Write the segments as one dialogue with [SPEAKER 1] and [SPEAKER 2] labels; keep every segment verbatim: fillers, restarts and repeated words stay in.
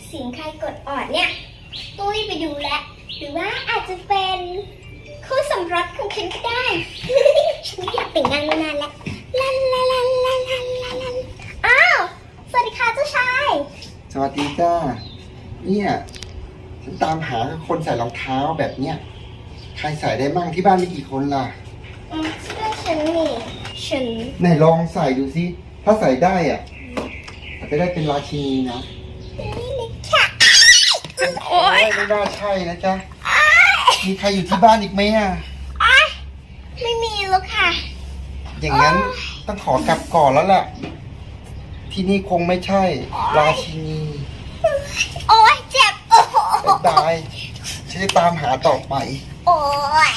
[SPEAKER 1] เสียงใครกดออดเนี่ยตุ้ยไปดูแลวหรือว่าอาจจะเป็นคู่สมรสของฉันก็ได้ ฉันอยากแต่งงานมานานแล้วลันลันลันลันลันลันลันอ้าวสวัสดีค่ะเจ้าชาย
[SPEAKER 2] สวัสดีจ้าเนี่ยฉันตามหาคนใส่รองเท้าแบบเนี้ยใครใส่ได้บ้างที่บ้านมีกี่คนล่ะ
[SPEAKER 1] อืมเสื้อฉันนี่ฉัน
[SPEAKER 2] ไหนลองใส่ดูสิถ้าใส่ได้อ่ะอาจจะได้เป็นราชินีนะ
[SPEAKER 1] นี่เลยค่ะ
[SPEAKER 2] โอ้ยไม่น่าใช่นะจ๊ะมีใครอยู่ที่บ้านอีกไหมอ่ะ
[SPEAKER 1] ไม่มีแล้วค่ะ
[SPEAKER 2] อย่างนั้นต้องขอกลับก่อนแล้วแหละที่นี่คงไม่ใช่ราชินี
[SPEAKER 1] โอ้ยเจ็บโอ้
[SPEAKER 2] บ๊ายบายฉันจะตามหาต่อไป
[SPEAKER 1] โอ้ย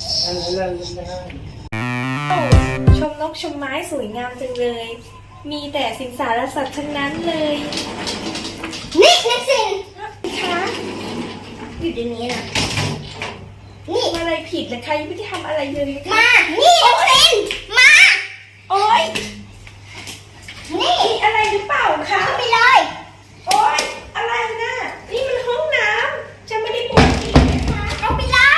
[SPEAKER 3] ชมนกชมไม้สวยงามจังเลย มีแต่สิงสารสัตว์ทั้งนั้นเลย
[SPEAKER 1] นี่นักสิน
[SPEAKER 3] คะ
[SPEAKER 1] อยู่ตรงนี้นะนี่
[SPEAKER 3] ทำอะไรผิดนะคะยังไม่ได้ทำอะไรเลยนะคะ
[SPEAKER 1] มานี่นักสินมา
[SPEAKER 3] โอ๊ย
[SPEAKER 1] นี่
[SPEAKER 3] มีอะไรหรือเปล่าคะ
[SPEAKER 1] เข้าไปเลย
[SPEAKER 3] โอ๊ยอะไรนะนี่มันห้องน้ำจะไม่ได้ปวดอีกนะคะ
[SPEAKER 1] เอาไปเลย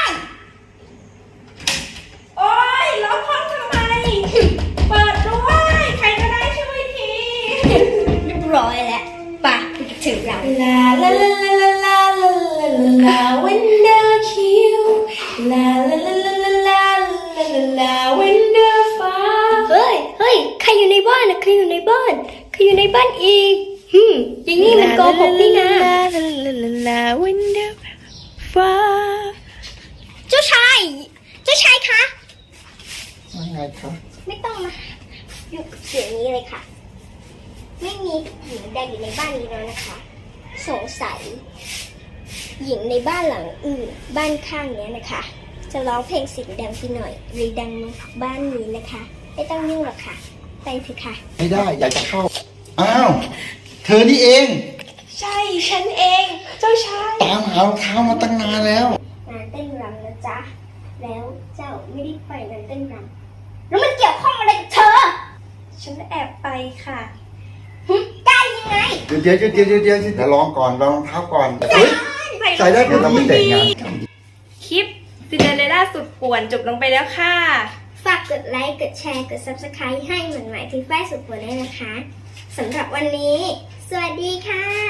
[SPEAKER 3] โอ๊ยล็อกห้องทำไมเปิดด้วยใครก็ได้ช่วยที
[SPEAKER 1] เรียบร้อยแล้วป่ะถึงเรา
[SPEAKER 3] ลาลาลาลาลาลาลาลา window chill ลาลาลาลาลาลาลาลา window far
[SPEAKER 1] เฮ้ยเฮ้ยใครอยู่ในบ้านนะใครอยู่ในบ้านใครอยู่ในบ้านอีกฮึมอย่างนี้มันโกหกนี่นะ
[SPEAKER 3] ลาลาลาลาลา window far
[SPEAKER 1] เจ้าชายเจ้าชายคะ
[SPEAKER 2] ว่าไงครับ
[SPEAKER 1] ไม่ต้องมาอยู่กับเสียงนี้เลยค่ะไม่มีหญิงใดอยู่ในบ้านนี้แล้วนะคะสงสัยหญิงในบ้านหลังอื่นบ้านข้างเนี้ยนะคะจะร้องเพลงเสียงดังไปหน่อยหรือดังมาบ้านนี้นะคะไม่ต้องยุ่งหรอกค่ะไปเถอะค่ะ
[SPEAKER 2] ไม่ได้อยากจะเข้าอ้าวเธอนี่เอง
[SPEAKER 3] ใช่ฉันเองเจ้าชาย
[SPEAKER 2] ตามหารองเท้ามาตั้งนานแล้ว
[SPEAKER 1] งานเต้นรำนะจ๊ะแล้วเจ้าไม่ได้ไปงานเต้นรำแล้วมันเกี่ยวข้องอะไรกับเธอ
[SPEAKER 3] ฉันแอบไปค่ะ
[SPEAKER 1] หึกล้ายังไง
[SPEAKER 2] เดี๋ยวเดี๋ยวเดี๋ยวเดี๋ยวเดี๋ยวเดี๋ยวลองก่อนลองรองเท้าก่อนเฮ้ยใส่ได้เดี๋ยวเราไม่แต่งงานกัน
[SPEAKER 3] คลิปซินเดอเรลล่าสุดป่วนจบลงไปแล้วค่ะ
[SPEAKER 1] ฝากกดไลค์ กดแชร์ กด ซับสไครบ์ ให้เหมือนหมายที่ฝ้ายสุดปวดด้วยนะคะ สำหรับวันนี้ สวัสดีค่ะ